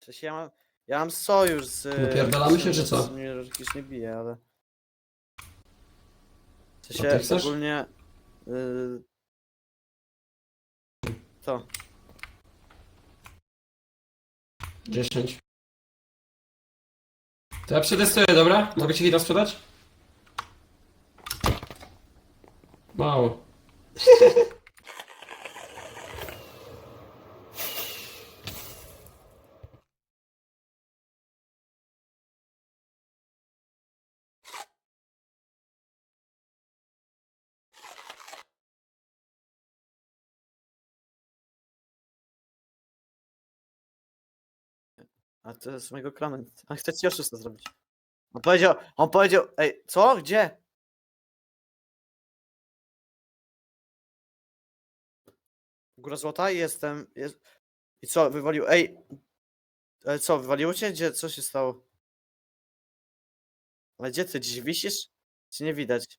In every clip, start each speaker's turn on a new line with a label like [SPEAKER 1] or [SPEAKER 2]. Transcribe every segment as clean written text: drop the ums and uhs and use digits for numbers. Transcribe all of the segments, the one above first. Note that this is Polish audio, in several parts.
[SPEAKER 1] W sensie ja mam sojusz z...
[SPEAKER 2] Napierdalamy się, czy co?
[SPEAKER 1] Mnie jakiś nie bije, ale... W
[SPEAKER 2] ty
[SPEAKER 1] sensie
[SPEAKER 2] chcesz?
[SPEAKER 1] ogólnie... To.
[SPEAKER 2] 10. To ja przetestuję, dobra? Mogę ci hita sprzedać? Mało.
[SPEAKER 1] A to jest z mojego klanu. A chcę ci oszusta zrobić. On powiedział, ej, co? Gdzie? Góra Złota? Jestem, I co, wywalił, ej, ale co, wywaliło cię? Gdzie, co się stało? Ale gdzie ty, dziś wisisz? Czy nie widać?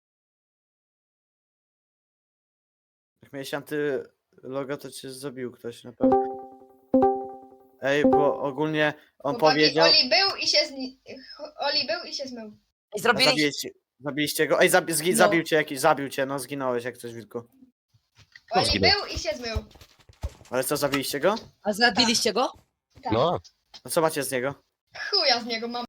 [SPEAKER 1] Jak miałeś antyloga, to cię zabił ktoś na pewno. Ej, bo ogólnie on
[SPEAKER 3] Chłopaki,
[SPEAKER 1] powiedział...
[SPEAKER 3] Oli był i się zmył.
[SPEAKER 4] I zrobiliście...
[SPEAKER 1] Zabiliście go? Ej, zabił cię jakiś, zabił cię, no zginąłeś jak coś, Wilku.
[SPEAKER 3] Oli
[SPEAKER 5] zginął?
[SPEAKER 3] był i się zmył.
[SPEAKER 1] Ale co, zabiliście go?
[SPEAKER 4] A zabiliście go?
[SPEAKER 3] Tak.
[SPEAKER 5] No,
[SPEAKER 1] A co macie z niego?
[SPEAKER 3] Chuja z niego mam.